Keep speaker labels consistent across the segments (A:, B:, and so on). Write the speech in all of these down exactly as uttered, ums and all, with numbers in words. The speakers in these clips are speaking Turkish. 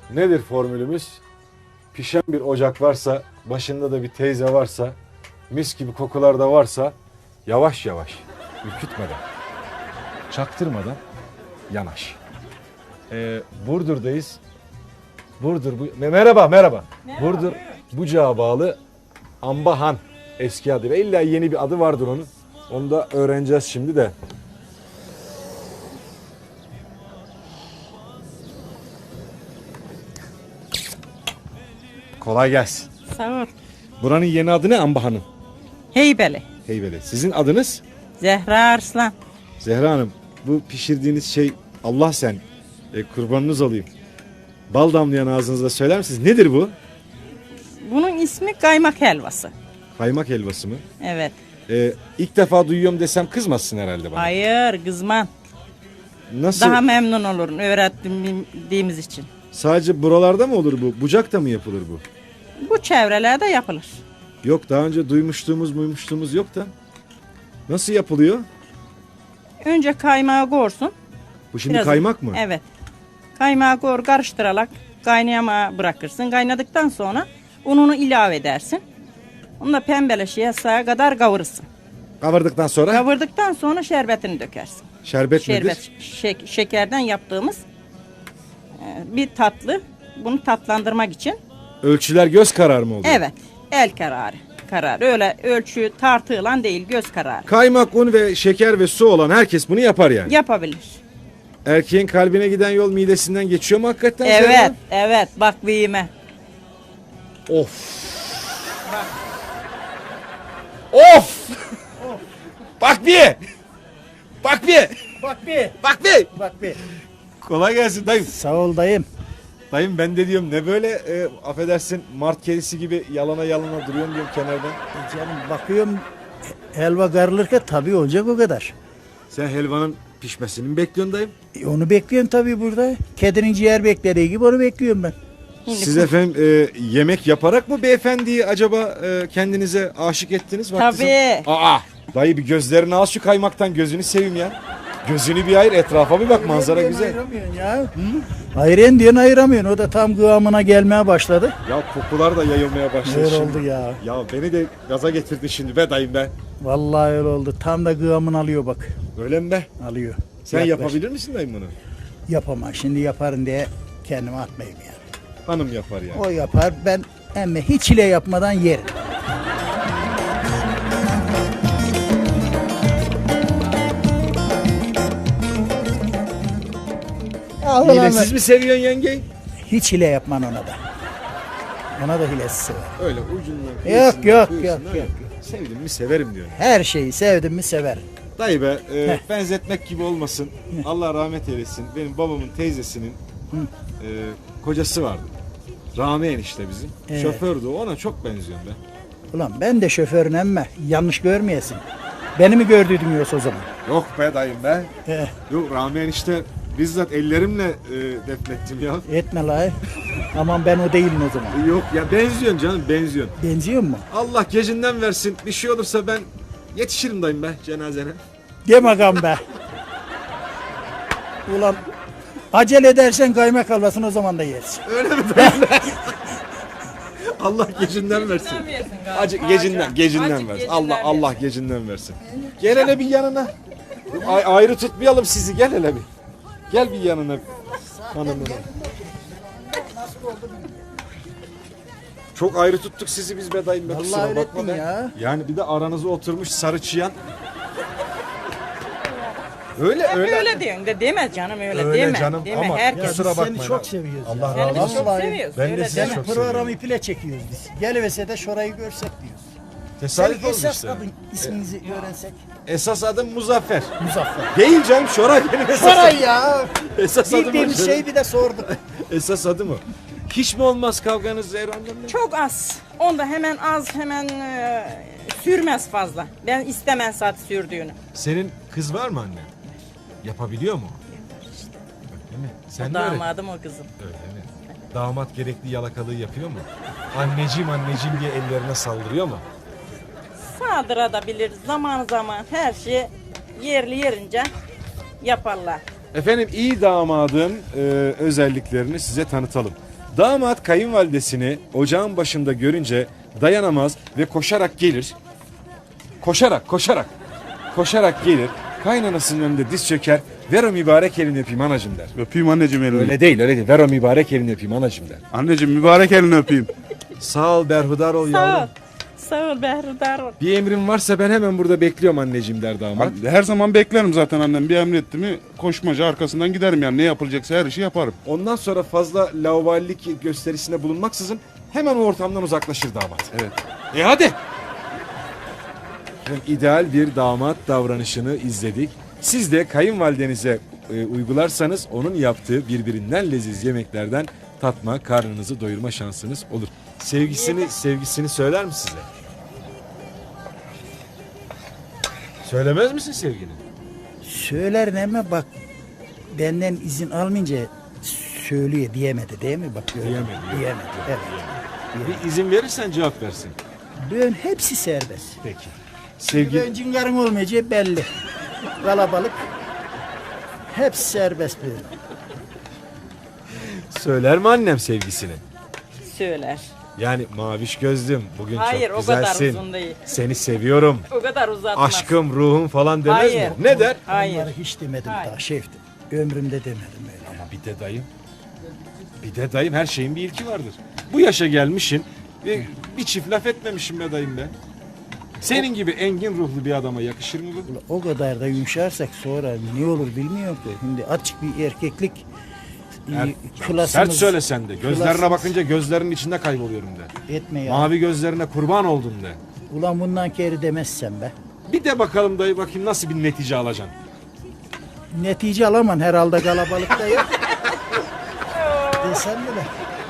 A: Nedir formülümüz? Pişen bir ocak varsa, başında da bir teyze varsa, mis gibi kokular da varsa yavaş yavaş, ürkütmeden, çaktırmadan yanaş. Ee, Burdur'dayız. Burdur bu Me- merhaba merhaba.
B: Merhaba,
A: Burdur
B: buyurun.
A: Bucağa bağlı Ambahan eski adıyla. İlla yeni bir adı vardır onun. Onu da öğreneceğiz şimdi de. Kolay gelsin.
B: Sağ ol.
A: Buranın yeni adı ne Ambahan'ın?
B: Heybeli.
A: Heybeli. Sizin adınız?
B: Zehra Arslan.
A: Zehra Hanım, bu pişirdiğiniz şey Allah sen e, kurbanınız olayım. Bal damlayan ağzınızda söyler misiniz? Nedir bu?
B: Bunun ismi kaymak helvası.
A: Kaymak helvası mı?
B: Evet.
A: E, ilk defa duyuyorum desem kızmazsın herhalde bana.
B: Hayır kızman.
A: Nasıl?
B: Daha memnun olurun öğrettiğimiz için.
A: Sadece buralarda mı olur bu? Bucak'ta mı yapılır bu?
B: Bu çevrelerde yapılır.
A: Yok, daha önce duymuştuğumuz muymuştuğumuz yok da. Nasıl yapılıyor?
B: Önce kaymağı korsun.
A: Bu şimdi
B: Biraz-
A: kaymak mı?
B: Evet. Kaymağı kor karıştırarak kaynayama bırakırsın. Kaynadıktan sonra ununu ilave edersin. Onu da pembeleşiye sağa kadar kavurursun.
A: Kavurdıktan sonra
B: Kavurdıktan sonra şerbetini dökersin.
A: şerbet,
B: Şerbet,
A: nedir?
B: şek- şekerden yaptığımız e, bir tatlı. Bunu tatlandırmak için.
A: Ölçüler göz kararı mı oluyor?
B: Evet. El kararı. Karar. Öyle ölçü tartılan değil, göz kararı.
A: Kaymak, un ve şeker ve su olan herkes bunu yapar yani.
B: Yapabilir.
A: Erkeğin kalbine giden yol midesinden geçiyor mu hakikaten? Zehra?
B: Evet, evet. Bak büyüme.
A: Of. Of. Bak bir. Bak bir.
C: Bak bir,
A: Bak bir.
C: bak bir.
A: Kolay gelsin dayım.
C: Sağ ol dayım.
A: Dayım ben de diyorum ne böyle e, affedersin mart kedisi gibi yalana yalana duruyorum diyorum kenardan.
C: E Canım bakıyorum helva karılırken tabii olacak o kadar.
A: Sen helvanın pişmesini mi bekliyorsun dayım?
C: E onu bekliyorum tabii burada. Kedinin ciğer beklediği gibi onu bekliyorum ben.
B: Şimdi
A: Siz efendim e, yemek yaparak mı beyefendiyi acaba e, kendinize aşık ettiniz? Vakti
B: Tabii.
A: zam- Aa, dayı bir gözlerini al şu kaymaktan, gözünü seveyim ya. Gözünü bir ayır, etrafa bir bak, manzara
C: Ayıren
A: güzel.
C: Ayıramıyorsun ya. Hı? Ayıren diyorsun ayıramıyorsun. O da tam kıvamına gelmeye başladı.
A: Ya kokular da yayılmaya başladı
C: Öyle
A: şimdi.
C: oldu ya.
A: Ya beni de gaza getirdin şimdi be dayım be.
C: Vallahi öyle oldu. Tam da kıvamını alıyor bak.
A: Öyle mi be?
C: Alıyor.
A: Sen
C: Yaklaş.
A: yapabilir misin dayım bunu?
C: Yapamam. Şimdi yaparım diye kendime atmayayım yani.
A: Hanım yapar yani.
C: O yapar. Ben emme hiç ile yapmadan yerim.
A: Hilesiz mi seviyorsun yengeyi?
C: Hiç hile yapman ona da. Ona da hilesi sever.
A: Öyle ucundan.
C: Yok,
A: kıyısından,
C: yok,
A: kıyısından
C: yok,
A: öyle.
C: yok.
A: Sevdim mi severim diyorsun.
C: Her şeyi sevdim mi sever.
A: Dayı be e, benzetmek gibi olmasın. Allah rahmet eylesin. Benim babamın teyzesinin e, kocası vardı. Rami enişte bizim.
C: Evet.
A: Şofördü o, ona çok benziyorum ben.
C: Ulan ben de şoförün emme. Yanlış görmeyesin. Beni mi gördüydün yoksa o zaman?
A: Yok be dayım be.
C: Eh,
A: Yok Rami enişte bizzat ellerimle e, defnettim ya.
C: etme la. Aman ben o değilim o zaman.
A: E, Yok ya, benziyorsun canım, benziyorsun.
C: Benziyor mu?
A: Allah gecinden versin. Bir şey olursa ben yetişirim dayım be cenazene.
C: Deme gam be. Ulan acele edersen kaymak helvasını o zaman da yersin.
A: Öyle mi dayım be? Allah gecinden versin. Acı gecinden gecinden versin. Allah Allah gecinden versin. Gel hele bir yanına. Ay, ayrı tutmayalım sizi. Gel hele bir. Gel bir yanına hanımına. Çok ayrı tuttuk sizi biz be dayım be.
C: Vallahi
A: kusura bakma
C: öğrettin
A: be.
C: ya.
A: Yani bir de aranıza oturmuş sarı çıyan. Öyle öyle.
B: Öyle diyorsun de deme canım öyle,
A: Öyle
B: deme.
A: canım
B: deme.
A: ama
B: Herkes.
A: kusura
C: Biz
A: bakmayın
C: seni çok
A: abi.
C: seviyoruz.
A: Allah
C: ya.
A: razı
B: Seni
A: olsun.
B: çok
C: Vallahi
B: seviyoruz.
A: ben de
B: öyle
A: sizi
B: deme.
C: Senin
A: çok
C: programı
A: seviyorum.
C: iple çekiyoruz biz. Gelivese de şurayı görsek diyoruz.
A: Tesadüf
C: Senin
A: olmuş
C: esas
A: işte.
C: adın isminizi öğrensek.
A: Esas adım Muzaffer.
C: Muzaffer.
A: Değil canım, Şoray benim esas
C: Şuray ya.
A: Esas adım o.
C: Bildiğimiz şey bir de sorduk.
A: Esas adı mı? Hiç mi olmaz kavganız Zehran'la?
B: Çok az. Onda hemen az hemen e, sürmez fazla. Ben istemem saat sürdüğünü.
A: Senin kız var mı anne? Yapabiliyor mu? Öyle mi? Sen
B: O
A: de öyle.
B: damadım o kızım.
A: Öyle mi? Damat gerekli yalakalığı yapıyor mu? Anneciğim anneciğim diye ellerine saldırıyor mu?
B: Saldırabilir zaman zaman her şey yerli yerince yaparlar.
A: Efendim iyi damadın e, özelliklerini size tanıtalım. Damat kayınvalidesini ocağın başında görünce dayanamaz ve koşarak gelir. Koşarak, koşarak, koşarak gelir. Kaynanasının önünde diz çöker. Ver o mübarek elini öpeyim anacım der.
D: Öpeyim anneciğim elini.
A: Öyle değil, öyle değil. Ver o mübarek elini öpeyim anacım der.
D: Anneciğim mübarek elini öpeyim.
A: Sağ ol, berhudar ol
B: Sağ ol.
A: yavrum.
B: Sağ ol Behrudar ol.
A: Bir emrin varsa ben hemen burada bekliyorum anneciğim der damat.
D: Her zaman beklerim zaten annem. Bir emretti mi koşmaca arkasından giderim yani. Ne yapılacaksa her işi yaparım.
A: Ondan sonra fazla laubalilik gösterisinde bulunmaksızın hemen o ortamdan uzaklaşır damat.
D: Evet.
A: E hadi. Efendim, ideal bir damat davranışını izledik. Siz de kayınvalidenize e, uygularsanız onun yaptığı birbirinden leziz yemeklerden tatma, karnınızı doyurma şansınız olur. Sevgisini sevgisini söyler mi size? Söylemez misin sevgini?
C: Söyler ama bak benden izin almayınca söylüyor diyemedi değil mi? Bak gördün mü?
A: Diyemedi, yok.
C: Diyemedi. Evet.
A: Bir izin verirsen cevap versin.
C: Böyle hepsi serbest.
A: Peki. Sevgi
C: Böyle cingarın olmayacağı belli. Kalabalık. Hepsi serbest böyle.
A: söyler mi annem sevgisini?
B: Söyler.
A: Yani maviş gözlüm bugün
B: Hayır,
A: çok
B: o kadar
A: güzelsin.
B: uzun değil.
A: Seni seviyorum.
B: O kadar uzatmaz.
A: Aşkım, ruhum falan demez
B: Hayır.
A: mi? Ne der?
B: Hayır.
C: Onları hiç demedim
B: Hayır.
C: daha şeftim. Ömrümde demedim öyle.
A: Ama bir de dayım. Bir de dayım her şeyin bir ilki vardır. Bu yaşa gelmişsin ve bir çift laf etmemişim be dayım be. Senin gibi engin ruhlu bir adama yakışır mı bu?
C: O kadar da yumuşarsak sonra ne olur bilmiyorum ki. Şimdi açık bir erkeklik
A: Er-
C: e, klasımız
A: Sert söyle sen de. Gözlerine
C: klasımız-
A: bakınca gözlerinin içinde kayboluyorum de.
C: etme ya.
A: Mavi gözlerine kurban oldum de.
C: Ulan bundan kere demezsen be.
A: Bir de bakalım dayı bakayım nasıl bir netice alacaksın.
C: Netice alamam herhalde kalabalıkta yok. Desem bile.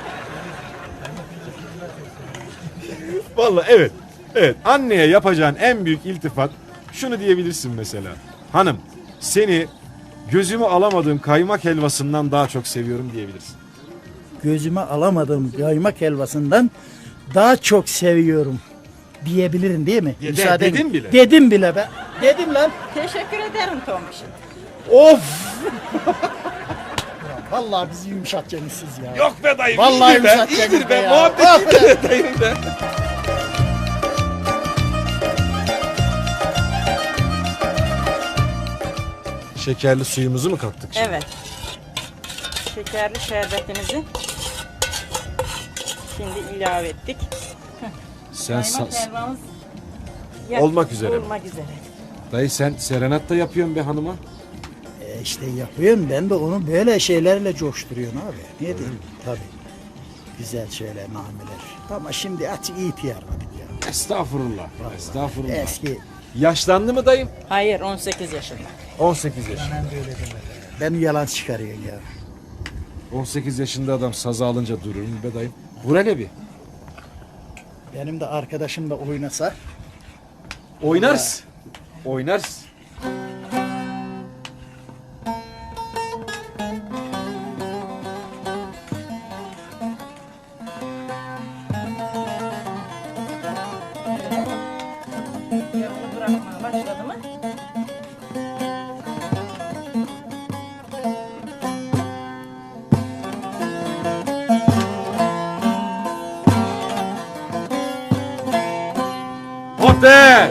A: Vallahi evet. Evet. Anneye yapacağın en büyük iltifat şunu diyebilirsin mesela. Hanım, seni gözümü alamadığım kaymak helvasından daha çok seviyorum diyebilirsin.
C: Gözüme alamadığım yaymak helvasından daha çok seviyorum diyebilirim değil mi?
A: De-
C: Müsaaden-
A: dedin bile.
C: Dedim bile be. Dedim lan.
B: Teşekkür ederim Tombiş'im.
A: Of!
C: Vallahi bizi yumuşatacaksınız siz ya.
A: Yok be dayım.
C: Vallahi
A: iyidir be.
C: yumuşatacaksınız
A: İyidir
C: be
A: be.
C: ya.
A: Muhabbet iyidir be dayım be. Şekerli suyumuzu mu kattık şimdi?
B: Evet. Şekerli şerbetimizi şimdi ilave ettik.
A: Sen
B: Kaymak
A: sa-
B: helvamız yak-
A: Olmak üzere.
B: Olmak üzere.
A: dayı sen serenat da yapıyorsun be hanıma.
C: E işte yapıyorum ben de onu böyle şeylerle coşturuyorum abi. Ne diyeyim? Tabii. Güzel şeyler, nameler. Ama şimdi açık ihtiyarladık ya.
A: Estağfurullah. Estağfurullah.
C: Eski
A: Yaşlandı mı dayım?
B: Hayır on sekiz yaşında.
A: on sekiz yaşında.
C: ben yalan çıkarıyorsun ya.
A: on sekiz yaşında adam sazı alınca durur mu be dayım? Vur hele bir.
C: Benim de arkadaşım da oynasa
A: Oynarız. Oynarız.
B: Yağını bırakmaya başladı mı?
A: Otel!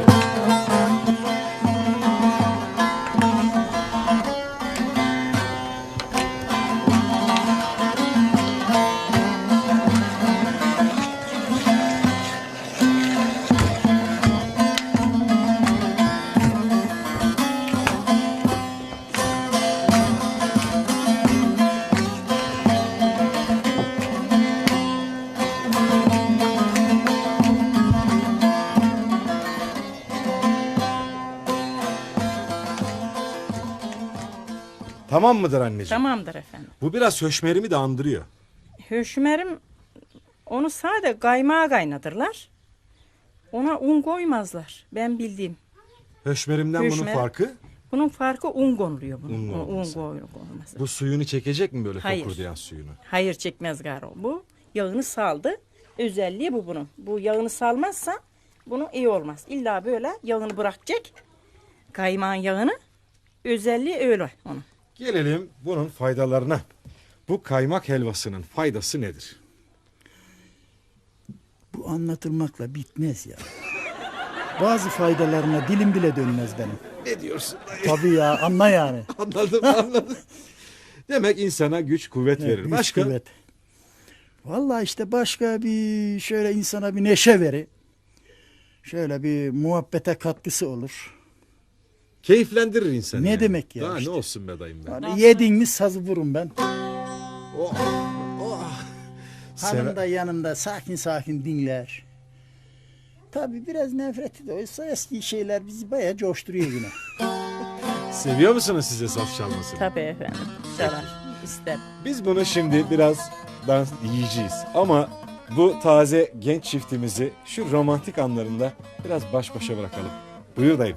A: Tamam mıdır anneciğim?
B: Tamamdır efendim.
A: Bu biraz höşmerimi de andırıyor.
B: Höşmerim onu sade kaymağa kaynatırlar. Ona un koymazlar. Ben bildiğim.
A: Höşmerimden bunun
B: Höşmer.
A: farkı
B: Bunun farkı un konuluyor bunun.
A: Un
B: Un, un
A: olması.
B: koyulması.
A: bu suyunu çekecek mi böyle
B: Hayır.
A: fokurdayan suyunu?
B: Hayır çekmez garo. Bu yağını saldı. Özelliği bu bunun. Bu yağını salmazsa bunun iyi olmaz. İlla böyle yağını bırakacak. Kaymağın yağını. Özelliği öyle onun.
A: Gelelim bunun faydalarına. Bu kaymak helvasının faydası nedir?
C: bu anlatılmakla bitmez ya. Bazı faydalarına dilim bile dönmez benim.
A: Ne diyorsun?
C: Tabii ya, anla yani.
A: Anladım, anladım. Demek insana güç, kuvvet
C: Evet,
A: verir.
C: güç,
A: Başka?
C: kuvvet. Vallahi işte başka bir şöyle insana bir neşe verir. Şöyle bir muhabbete katkısı olur.
A: Keyiflendirir insanı.
C: Ne
A: yani.
C: demek ya
A: Daha
C: işte.
A: ne olsun be dayım ben.
C: Yani yedin mi sazı vurun ben.
A: Oh, oh.
C: Hanım
A: Seve-
C: da yanımda sakin sakin dinler. Tabii biraz nefreti de oysa eski şeyler bizi bayağı coşturuyor yine.
A: Seviyor musunuz size saz çalmasını?
B: Tabii efendim. Çalar. İster.
A: Biz bunu şimdi biraz dans yiyeceğiz. Ama bu taze genç çiftimizi şu romantik anlarında biraz baş başa bırakalım. Buyur dayım.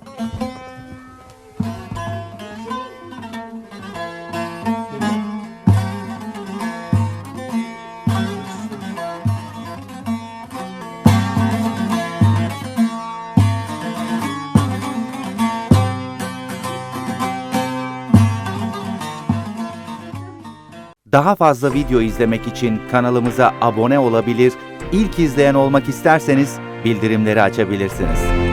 E: Daha fazla video izlemek için kanalımıza abone olabilir, ilk izleyen olmak isterseniz bildirimleri açabilirsiniz.